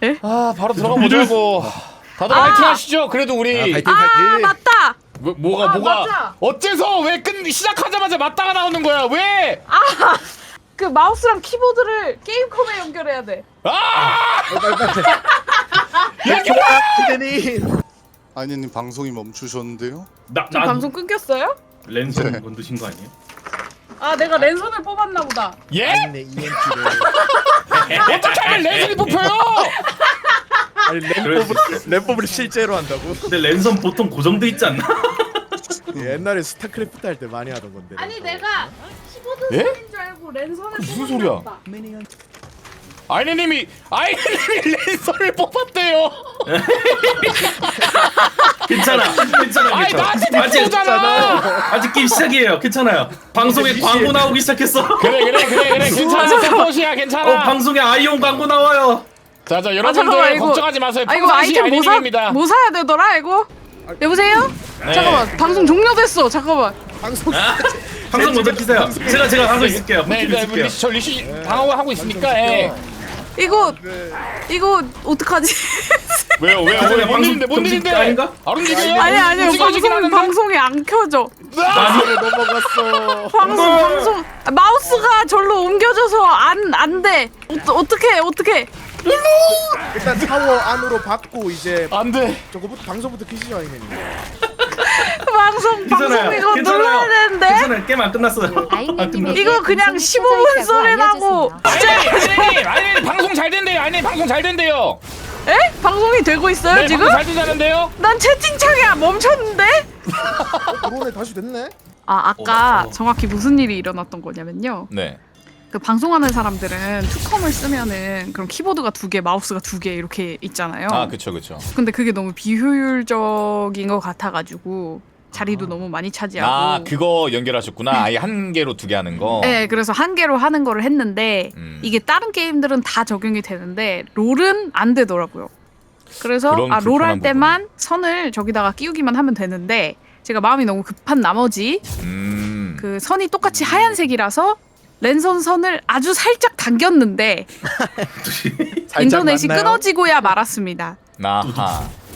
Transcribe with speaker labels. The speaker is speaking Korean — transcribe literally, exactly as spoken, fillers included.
Speaker 1: 아 바로 들어가 보자고. 다들
Speaker 2: 아.
Speaker 1: 파이팅 하시죠. 그래도 우리
Speaker 3: 아, 파이팅
Speaker 2: 아
Speaker 3: 파이팅.
Speaker 2: 맞다.
Speaker 1: 뭐, 뭐가
Speaker 2: 아,
Speaker 1: 뭐가
Speaker 2: 맞아.
Speaker 1: 어째서 왜 끝 시작하자마자 맞다가 나오는 거야? 왜?
Speaker 2: 그 마우스랑 키보드를 게임컴에 연결해야 돼.
Speaker 1: 아!
Speaker 3: 대대님.
Speaker 4: 아니님 방송이 멈추셨는데요?
Speaker 5: 나,
Speaker 2: 저
Speaker 5: 나
Speaker 2: 방송 끊겼어요?
Speaker 5: 랜선
Speaker 4: 네.
Speaker 5: 건드신 거 아니에요?
Speaker 2: 아 내가 랜선을 뽑았나 보다.
Speaker 1: 예?
Speaker 3: 아니네 이엠피를.
Speaker 1: 어떻게 하면 레슨이 뽑혀요?
Speaker 3: 아니 램법을 램법을 실제로 한다고?
Speaker 5: 근데 랜선 보통 고정돼 있지 않나?
Speaker 3: 옛날에 스타크래프트 할 때 많이 하던 건데.
Speaker 2: 아니 내가 키보드
Speaker 1: 예?
Speaker 2: 선인 줄 알고 랜선을
Speaker 1: 무슨
Speaker 2: 뽑았나
Speaker 1: 소리야?
Speaker 2: 보다.
Speaker 1: 아이네님이 아이네님이 랜선을 뽑았대요.
Speaker 5: 괜찮아, 괜찮아,
Speaker 1: 아이
Speaker 5: 괜찮아.
Speaker 1: 나한테
Speaker 5: 아직
Speaker 1: 대표잖아.
Speaker 5: 아직 게임 시작이에요. 괜찮아요. 방송에
Speaker 3: 미시-
Speaker 5: 광고 나오기 시작했어.
Speaker 1: 그래 그래 그래 그래 괜찮아. 서폿이야 괜찮아.
Speaker 5: 어 방송에 아이온 광고 나와요.
Speaker 1: 자자
Speaker 2: 아,
Speaker 1: 여러분들
Speaker 2: 잠깐만, 이거-
Speaker 1: 걱정하지 마세요.
Speaker 2: 아 이거
Speaker 1: 평상시
Speaker 2: 아이템 뭐 사?
Speaker 1: 아이네님입니다.
Speaker 2: 뭐 사야 되더라 이거? 여보세요?
Speaker 1: 네.
Speaker 2: 잠깐만 방송 종료됐어. 잠깐만.
Speaker 3: 방송.
Speaker 5: 아? 방송 먼저 키세요. 제가 제가 방송 있을게요.
Speaker 1: 네,
Speaker 5: 네,
Speaker 1: 네,
Speaker 5: 있을게요.
Speaker 1: 리시, 저 리시 방어를 하고 있으니까. 예.
Speaker 2: 이거
Speaker 3: 네.
Speaker 2: 이거 어떡하지?
Speaker 1: 왜요 왜요?
Speaker 5: 그전에
Speaker 1: 뭔
Speaker 5: 방송
Speaker 1: 일인데 뭔
Speaker 5: 정식
Speaker 1: 일인데?
Speaker 5: 아닌가?
Speaker 1: 아론님이에요?
Speaker 2: 아니 아니요
Speaker 1: 찍어주긴
Speaker 2: 방송
Speaker 1: 하는데?
Speaker 2: 방송이 안 켜져.
Speaker 5: 아니
Speaker 3: 넘어갔어.
Speaker 2: 방송
Speaker 5: 어.
Speaker 2: 방송 아, 마우스가 절로 옮겨져서 안 안 돼. 어, 어떻게 어떻게?
Speaker 3: 일단 타워 안으로 받고 이제
Speaker 1: 안 돼.
Speaker 3: 저거부터 방송부터 키시죠 아니네.
Speaker 2: 방송 방송 이거 눌러야 되는데.
Speaker 5: 괜찮아요. 게임 안 끝났어요.
Speaker 2: 이거 그냥 십오 분 소리 나고.
Speaker 1: 아이네님 아이네님 아이네님 방송 잘 된대요. 아이네님 방송 잘 된대요.
Speaker 2: 에? 방송이 되고 있어요
Speaker 1: 네,
Speaker 2: 지금?
Speaker 1: 방송 잘 된다는데요?
Speaker 2: 난 채팅창이 멈췄는데?
Speaker 3: 어, 그러네 다시 됐네.
Speaker 2: 아 아까
Speaker 5: 어, 어.
Speaker 2: 정확히 무슨 일이 일어났던 거냐면요.
Speaker 1: 네.
Speaker 2: 그 방송하는 사람들은 투컴을 쓰면은 그럼 키보드가 두 개, 마우스가 두 개 이렇게 있잖아요.
Speaker 1: 아 그쵸 그쵸.
Speaker 2: 근데 그게 너무 비효율적인 것 같아가지고 자리도 너무 많이 차지하고.
Speaker 1: 아 그거 연결하셨구나. 아예 한 개로 두 개 하는 거.
Speaker 2: 네, 그래서 한 개로 하는 거를 했는데
Speaker 1: 음.
Speaker 2: 이게 다른 게임들은 다 적용이 되는데 롤은 안 되더라고요. 그래서
Speaker 1: 그런
Speaker 2: 아, 롤 할
Speaker 1: 불편한
Speaker 2: 때만 선을 저기다가 끼우기만 하면 되는데 제가 마음이 너무 급한 나머지
Speaker 1: 음.
Speaker 2: 그 선이 똑같이 하얀색이라서 랜선 선을 아주 살짝 당겼는데
Speaker 3: 살짝
Speaker 2: 인터넷이
Speaker 3: 맞나요?
Speaker 2: 끊어지고야 말았습니다.
Speaker 1: 아하.